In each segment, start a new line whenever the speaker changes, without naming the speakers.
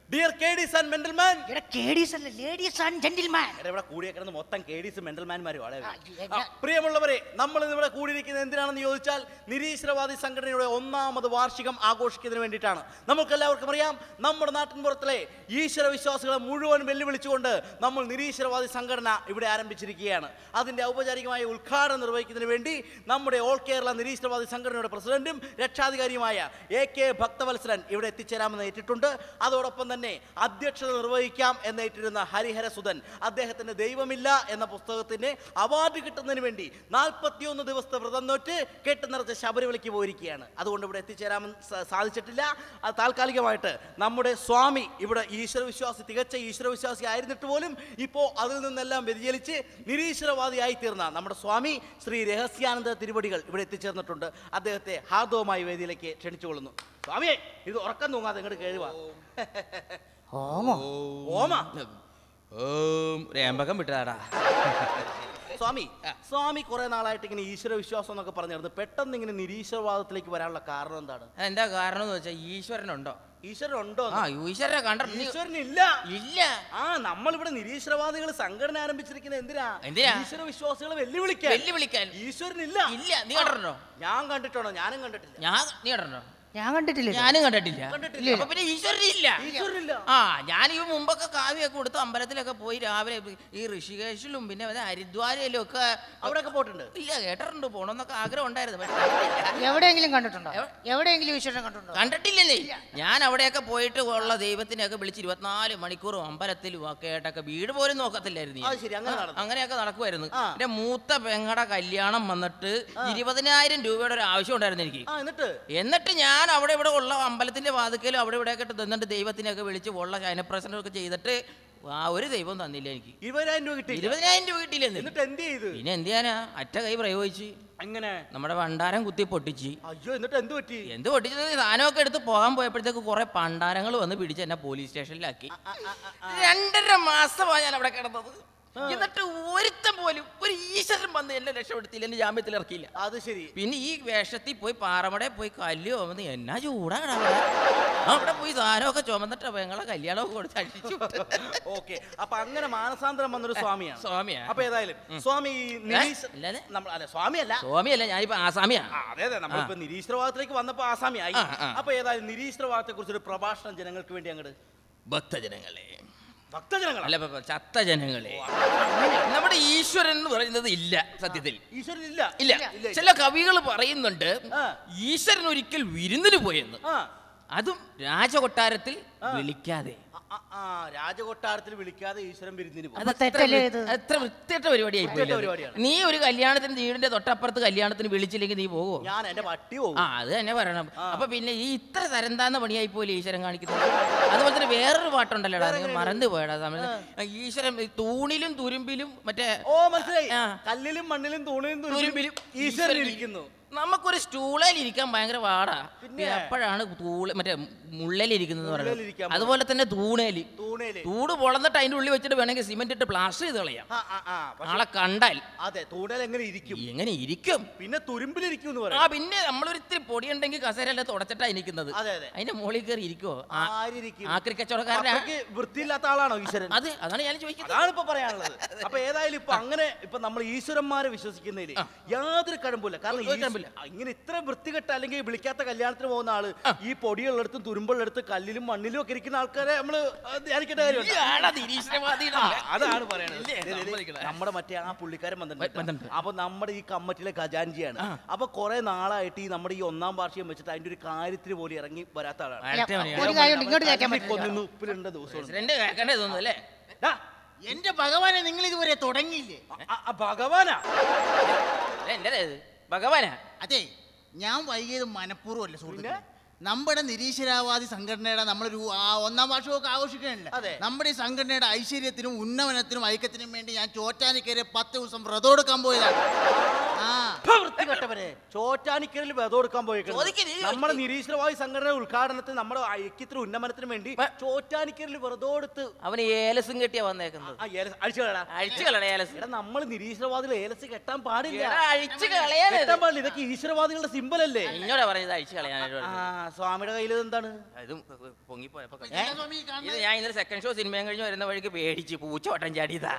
Dear ladies and gentleman.
Ladies and gentleman.
ഇവിടെ കൂടിയേക്കുന്നത് മൊത്തം കേഡീസ് മെന്റൽമാന്മാരും ആണ്. പ്രിയമുള്ളവരെ, നമ്മൾ ഇന്ന് ഇവിടെ കൂടിയിരിക്കുന്നത് എന്തിനാണെന്ന് ചോദിച്ചാൽ നിരീശ്വരവാദി സംഘടനയുടെ 1ാമത് വാർഷികം ആഘോഷിക്കുന്നതിന് വേണ്ടിയിട്ടാണ്. നമുക്കെല്ലാവർക്കും അറിയാം, നമ്മുടെ നാട്ടിൻപുറത്തിലെ ഈശ്വര വിശ്വാസികളെ മുഴുവൻ വെല്ലുവിളിച്ചുകൊണ്ട് നമ്മൾ നിരീശ്വരവാദി സംഘടന ഇവിടെ ആരംഭിച്ചിരിക്കുകയാണ്. അതിൻ്റെ ഔപചാരികമായ ഉദ്ഘാടനം നിർവഹിക്കുന്നതിന് വേണ്ടി നമ്മുടെ ഓൾ കേരള നിരീശ്വരവാദി സംഘടനയുടെ പ്രസിഡന്റും രക്ഷാധികാരിയുമായ AK ഭക്തവത്സരൻ ഇവിടെ എത്തിച്ചേരാമെന്ന് ഏറ്റിട്ടുണ്ട്. അതോടൊപ്പം തന്നെ അധ്യക്ഷത നിർവഹിക്കാം എന്നേറ്റിരുന്ന ഹരിഹരസുധൻ അദ്ദേഹത്തിന്റെ ദൈവമില്ല എന്ന പുസ്തകത്തിന് അവാർഡ് കിട്ടുന്നതിന് വേണ്ടി 41 ദിവസത്തെ വ്രതം നോറ്റ് കെട്ടുനിറച്ച് ശബരിമലയ്ക്ക് പോയിരിക്കുകയാണ്. അതുകൊണ്ട് ഇവിടെ എത്തിച്ചേരാമെന്ന് സാധിച്ചിട്ടില്ല. താൽക്കാലികമായിട്ട് നമ്മുടെ സ്വാമി ഇവിടെ തികച്ച ഈശ്വരവിശ്വാസി ആയിരുന്നിട്ട് പോലും ഇപ്പോൾ അതിൽ നിന്നെല്ലാം വ്യതിചലിച്ച് നിരീശ്വരവാദിയായി തീർന്ന നമ്മുടെ സ്വാമി ശ്രീ രഹസ്യാനന്ദ തിരുവടികൾ ഇവിടെ എത്തിച്ചേർന്നിട്ടുണ്ട്. അദ്ദേഹത്തെ ഹാർദവമായി വേദിയിലേക്ക് ക്ഷണിച്ചുകൊള്ളുന്നു. സ്വാമിയെ, ഇത് ഉറക്കം തൂങ്ങാതെ ഇങ്ങോട്ട് കേഴുവാ.
രേമ്പകം വിട്ടതാടാ.
സ്വാമി കുറെ നാളായിട്ട് ഇങ്ങനെ ഈശ്വര വിശ്വാസം എന്നൊക്കെ പറഞ്ഞിരുന്നു. പെട്ടെന്ന് ഇങ്ങനെ നിരീശ്വരവാദത്തിലേക്ക് വരാനുള്ള കാരണം എന്താണ്?
എന്താ കാരണം എന്ന് വെച്ചാൽ ഈശ്വരനുണ്ടോ?
ഈശ്വരനുണ്ടോ?
ഈശ്വരനെ കണ്ട
ഈശ്വരനില്ല. ഇല്ല. നമ്മളിവിടെ നിരീശ്വരവാദികൾ സംഘടന ആരംഭിച്ചിരിക്കുന്നത് എന്തിനാ? ഈശ്വര വിശ്വാസികളെ വെല്ലുവിളിക്കാൻ. ഈശ്വരനില്ല.
ഇല്ല. നീ കണ്ടിട്ടുണ്ടോ?
ഞാൻ കണ്ടിട്ടുണ്ടോ? ഞാനും കണ്ടിട്ടില്ല.
നീ കണ്ടിട്ടുണ്ടോ?
ഞാനും
കണ്ടിട്ടില്ല. അപ്പൊ പിന്നെ ഈശ്വരനില്ല. ഞാൻ ഈ മുമ്പൊക്കെ കാവ്യൊക്കെ കൊടുത്ത് അമ്പലത്തിലൊക്കെ പോയി രാവിലെ ഈ ഋഷികേശിലും പിന്നെ ഹരിദ്വാരയിലും ഒക്കെ
അവിടെയൊക്കെ പോയിട്ടുണ്ട്.
ഇല്ല, കേട്ടിട്ടുണ്ട്, പോണമെന്നൊക്കെ ആഗ്രഹം ഉണ്ടായിരുന്നു.
എവിടെയെങ്കിലും കണ്ടിട്ടുണ്ടോ? എവിടെയെങ്കിലും ഈശ്വരനെ കണ്ടിട്ടുണ്ടോ?
കണ്ടിട്ടില്ലേ. ഞാൻ അവിടെയൊക്കെ പോയിട്ട് ഉള്ള ദൈവത്തിനെയൊക്കെ വിളിച്ച് 24 മണിക്കൂറും അമ്പലത്തിലും ഒക്കെ ആയിട്ടൊക്കെ വീട് പോലും നോക്കത്തില്ലായിരുന്നു. അങ്ങനെയൊക്കെ നടക്കുമായിരുന്നു. എന്റെ മൂത്ത പെങ്ങടെ കല്യാണം വന്നിട്ട് 20,000 രൂപയുടെ ഒരു ആവശ്യം ഉണ്ടായിരുന്നു എനിക്ക്. എന്നിട്ട് ഞാൻ അവിടെ ഇവിടെ ഉള്ള അമ്പലത്തിന്റെ വാതിക്കലും അവിടെ ഇവിടെ ഒക്കെ തന്നിട്ട് ദൈവത്തിനൊക്കെ വിളിച്ച് ഉള്ള ശയനപ്രസന്നമൊക്കെ ചെയ്തിട്ട് ഒരു ദൈവം തന്നില്ല എനിക്ക്.
20,000 രൂപ കിട്ടി.
20,000 രൂപ കിട്ടിയില്ല.
എന്നിട്ട് എന്ത് ചെയ്തു?
പിന്നെ എന്ത് ചെയ്യാനാ, അറ്റ കൈ പ്രയോഗിച്ച്
അങ്ങനെ നമ്മുടെ
പണ്ടാരം കുത്തി പൊട്ടിച്ച്.
അയ്യോ, എന്നിട്ട് എന്ത് പറ്റി?
എന്ത് പൊട്ടിച്ചത്? സാധനമൊക്കെ എടുത്ത് പോകാൻ പോയപ്പോഴത്തേക്ക് കുറെ പണ്ടാരങ്ങൾ വന്ന് പിടിച്ച് എന്നെ പോലീസ് സ്റ്റേഷനിലാക്കി. 2.5 മാസമാണ് ഞാൻ അവിടെ കിടന്നത്. എന്നിട്ട് ഒരുത്തം പോലും ഒരു ഈശ്വരൻ വന്ന് എന്നെ രക്ഷപ്പെടുത്തിയില്ല, എന്നെ ജാമ്യത്തിൽ ഇറക്കിയില്ല.
അത് ശരി.
പിന്നെ ഈ വേഷത്തിൽ പോയി പാറമടയിൽ പോയി കല്ല് ചുമന്ന് എന്നാ ചൂടാണ് അവിടെ പോയി സാധനമൊക്കെ ചുമന്നിട്ട് പെങ്ങളെ കല്യാണമൊക്കെ കൊടുത്ത് അടിച്ചു.
ഓക്കെ, അപ്പൊ അങ്ങനെ മാനസാന്തരം വന്നൊരു സ്വാമിയാണ്. അപ്പൊ ഏതായാലും സ്വാമി
സ്വാമിയല്ല, ഞാനിപ്പോ ആസാമിയാ.
അതെ, നമ്മളിപ്പോ നിരീശ്വരവാദത്തിലേക്ക് വന്നപ്പോ ആസാമിയായി. അപ്പൊ ഏതായാലും നിരീശ്വരവാദത്തെ കുറിച്ചൊരു പ്രഭാഷണം ജനങ്ങൾക്ക് വേണ്ടി അങ്ങോട്ട്.
ഭക്തജനങ്ങളെ,
അല്ല
ചത്ത ജനങ്ങളെ, നമ്മുടെ ഈശ്വരൻ എന്ന് പറയുന്നത് ഇല്ല. സത്യത്തിൽ
ഈശ്വരൻ
ഇല്ല. ചില കവികൾ പറയുന്നുണ്ട് ഈശ്വരൻ ഒരിക്കൽ വിരുന്നിന് പോയെന്ന്, അതും രാജകൊട്ടാരത്തിൽ വിളിക്കാതെ.
രാജകൊട്ടാരത്തിൽ വിളിക്കാതെ ഈശ്വരൻ വിരുന്നിന് പോകും.
എത്ര വൃത്തിയായിട്ട പരിപാടിയായി. നീ ഒരു കല്യാണത്തിന് വീടിന്റെ തൊട്ടപ്പുറത്ത് കല്യാണത്തിന് വിളിച്ചില്ലെങ്കിൽ നീ പോകുമോ?
ഞാൻ എന്റെ പട്ടി പോകും.
അത് തന്നെ പറയണം. അപ്പൊ പിന്നെ ഈ ഇത്ര തരംതാന്ന പണിയായി പോലെ ഈശ്വരൻ കാണിക്കുന്നത്. അതുപോലെ തന്നെ വേറൊരു പാട്ടുണ്ടല്ലോടാ, നിങ്ങൾ മറന്നു പോയടാ. ഈശ്വരൻ തൂണിലും തുരുമ്പിലും മറ്റേ
മനസ്സിലായി, കല്ലിലും മണ്ണിലും തൂണിലും തുരുമ്പിലും ഈശ്വരൻ ഇരിക്കുന്നു.
നമുക്കൊരു സ്റ്റൂളിൽ ഇരിക്കാൻ ഭയങ്കര പാടാ. എപ്പോഴാണ് മറ്റേ മുള്ളലിരിക്കുന്നത് പറയുന്നത്. അതുപോലെ തന്നെ തൂട് പൊളന്നിട്ട് അതിന്റെ ഉള്ളിൽ വെച്ചിട്ട് വേണമെങ്കിൽ സിമെന്റ് ഇട്ട് പ്ലാസ്റ്റർ ചെയ്ത് കളയാം. ആളെ കണ്ടാൽ എങ്ങനെ ഇരിക്കും?
പിന്നെ തുരുമ്പിലിരിക്കും.
പിന്നെ നമ്മളൊരു ഇത്തിരി പൊടിയുണ്ടെങ്കിൽ കസേരല്ല തുടച്ചിട്ടാ ഇരിക്കുന്നത്. അതിന്റെ മുകളിൽ കയറി ഇരിക്കുവോ? ആക്രി കച്ചവടക്കാരനാ?
വൃത്തിയില്ലാത്ത ആളാണോ ഈശ്വരൻ?
അതെ, അതാണ് ഞാൻ ചോദിക്കുന്നത്.
അതാണ് ഇപ്പൊ പറയാനുള്ളത്. അപ്പൊ ഏതായാലും ഇപ്പൊ അങ്ങനെ ഇപ്പൊ നമ്മൾ ഈശ്വരന്മാരെ വിശ്വസിക്കുന്നതിൽ യാതൊരു കഴമ്പില്ല. കാരണം ഇങ്ങനെ ഇത്ര വൃത്തികെട്ട അല്ലെങ്കിൽ വിളിക്കാത്ത കല്യാണത്തിന് പോകുന്ന ആള് ഈ പൊടിയുള്ളടത്തും തുരുമ്പുള്ളടത്തും കല്ലിലും മണ്ണിലും ഒക്കെ ഇരിക്കുന്ന ആൾക്കാരെ നമ്മള് ധ്യാനിക്കേണ്ട കാര്യമുണ്ട്. അതാണ് പറയണത്. നമ്മുടെ മറ്റേ ആ പുള്ളിക്കാരൻ വന്നിട്ടുണ്ട്. അപ്പൊ നമ്മുടെ ഈ കമ്മിറ്റിയിലെ ഖജാൻജിയാണ്. അപ്പൊ കുറെ നാളായിട്ട് ഈ നമ്മുടെ ഈ 1ാം വാർഷികം വെച്ചിട്ട് അതിന്റെ ഒരു കാര്യത്തിന് പോലും ഇറങ്ങി വരാത്ത ആളാണ്. ഉപ്പിലുണ്ട ദിവസം
എന്റെ ഭഗവാനെ, നിങ്ങൾ ഇതുവരെ തുടങ്ങിയില്ലേ?
ഭഗവാനാ?
അതെ, ഞാൻ വൈകിയത് മനഃപൂർവ്വമല്ല സുഹൃത്തുക്കളെ. നമ്മുടെ നിരീശ്വരവാദി സംഘടനയുടെ നമ്മളൊരു 1ാം വാർഷികമൊക്കെ ആഘോഷിക്കണല്ലേ. നമ്മുടെ ഈ സംഘടനയുടെ ഐശ്വര്യത്തിനും ഉന്നമനത്തിനും ഐക്യത്തിനും വേണ്ടി ഞാൻ ചോറ്റാനിക്കരെ 10 ദിവസം വ്രതം എടുക്കാൻ പോയതാണ്.
വൃത്തികെട്ടവരെ ചോറ്റാനിക്കലിൽ വെതം കൊടുക്കാൻ പോയേക്കുന്നത് നമ്മുടെ നിരീശ്വരവാദി സംഘടന ഉദ്ഘാടനത്തിന് നമ്മുടെ ഐക്യത്തിന് ഉന്നമനത്തിന് വേണ്ടി ചോറ്റാനിക്കലിൽ വെറുതെ കൊടുത്ത്
അവന് ഏലസും കെട്ടിയാ വന്നേക്കുന്നത്.
നമ്മൾ നിരീശ്വരവാദികൾ ഏലസ് കെട്ടാൻ പാടില്ല,
കെട്ടാൻ
പാടില്ല. ഇതൊക്കെ ഈശ്വരവാദികളുടെ സിമ്പൽ അല്ലേ?
എന്നോടാ പറഞ്ഞത് അഴിച്ചു കളയാനായിട്ട്.
സ്വാമിയുടെ കയ്യിൽ എന്താണ്?
ഇതും പൊങ്ങിപ്പോയപ്പോ ഇത് ഞാൻ ഇന്നലെ സെക്കൻഡ് ഷോ സിനിമയും കഴിഞ്ഞ് വരുന്ന വഴിക്ക് പേടിച്ച് പൂച്ച വട്ടം ചാടിയതാ.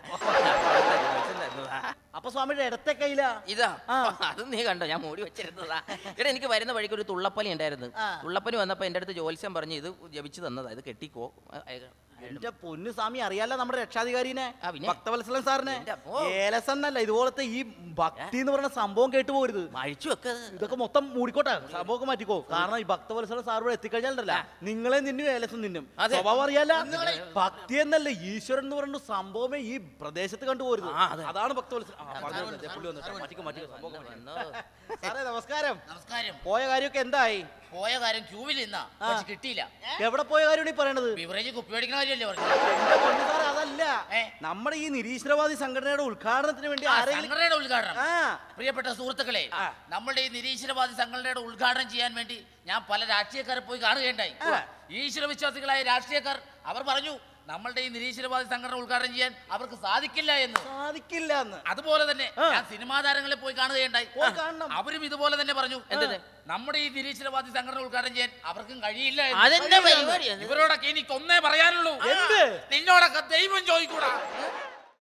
അപ്പൊ സ്വാമിയുടെ ഇടത്തെ കയ്യില
ഇതാ, അത് നീ കണ്ടോ? ഞാൻ മൂടി വെച്ചിരുന്നതാ. ഇവിടെ എനിക്ക് വരുന്ന വഴിക്ക് ഒരു തുള്ളപ്പലി ഉണ്ടായിരുന്നു. തുള്ളപ്പലി വന്നപ്പോ എന്റെ അടുത്ത് ജ്യോത്സ്യം പറഞ്ഞു ഇത് ജപിച്ചു തന്നതാ, ഇത് കെട്ടിക്കോ.
എന്റെ പൊന്നു സ്വാമി അറിയാലോ നമ്മുടെ രക്ഷാധികാരിനെ, ഭക്തവത്സലൻ സാറിനെ. ഏലസ് എന്നല്ല, ഇതുപോലത്തെ ഈ ഭക്തി എന്ന് പറയുന്ന സംഭവം കേട്ടു പോരുത്.
അഴിച്ചു വെക്ക,
ഇതൊക്കെ മൊത്തം മൂടിക്കോട്ടെ, സംഭവമൊക്കെ മാറ്റിക്കോ. കാരണം ഈ ഭക്തവത്സലൻ സാർ ഇവിടെ എത്തിക്കഴിഞ്ഞാലല്ല നിങ്ങളെ നിന്നും ഏലസും നിന്നും സ്വഭാവം അറിയാല. ഭക്തി എന്നല്ല, ഈശ്വരൻ എന്ന് പറയുന്ന സംഭവമേ ഈ പ്രദേശത്ത് കണ്ടുപോരുത്. അതാണ് ഭക്തവത്സലൻ. സാറേ നമസ്കാരം.
നമസ്കാരം.
പോയ കാര്യമൊക്കെ എന്തായി?
പോയ കാര്യം ക്യൂവിൽ നിന്നാ കിട്ടിയില്ല.
എവിടെ പോയ കാര്യമാണ് ഈ പറയണത്?
ബിവറേജ് കുപ്പി മേടിക്കണ കാര്യമല്ലേ പറഞ്ഞു.
സാറേ അതല്ല, നമ്മുടെ ഈ നിരീശ്വരവാദി സംഘടനയുടെ ഉദ്ഘാടനത്തിന് വേണ്ടി
സംഘടനയുടെ ഉദ്ഘാടനം. പ്രിയപ്പെട്ട സുഹൃത്തുക്കളെ, നമ്മുടെ ഈ നിരീശ്വരവാദി സംഘടനയുടെ ഉദ്ഘാടനം ചെയ്യാൻ വേണ്ടി ഞാൻ പല രാഷ്ട്രീയക്കാരെ പോയി കാണുകയുണ്ടായി. ഈശ്വര വിശ്വാസികളായ രാഷ്ട്രീയക്കാർ അവർ പറഞ്ഞു നമ്മളുടെ ഈ നിരീശ്വരവാദി സംഘടന ഉദ്ഘാടനം ചെയ്യാൻ അവർക്ക് സാധിക്കില്ല എന്ന്. അതുപോലെ തന്നെ ഞാൻ സിനിമാ താരങ്ങളെ പോയി കാണുകയുണ്ടായി. അവരും ഇതുപോലെ തന്നെ പറഞ്ഞു നമ്മുടെ ഈ നിരീശ്വരവാദി സംഘടന ഉദ്ഘാടനം ചെയ്യാൻ അവർക്കും കഴിയില്ല. ഇവരോടൊക്കെ എനിക്ക് ഒന്നേ പറയാനുള്ളൂ, നിന്നോടൊക്കെ ദൈവം ചോദിക്കൂടാ.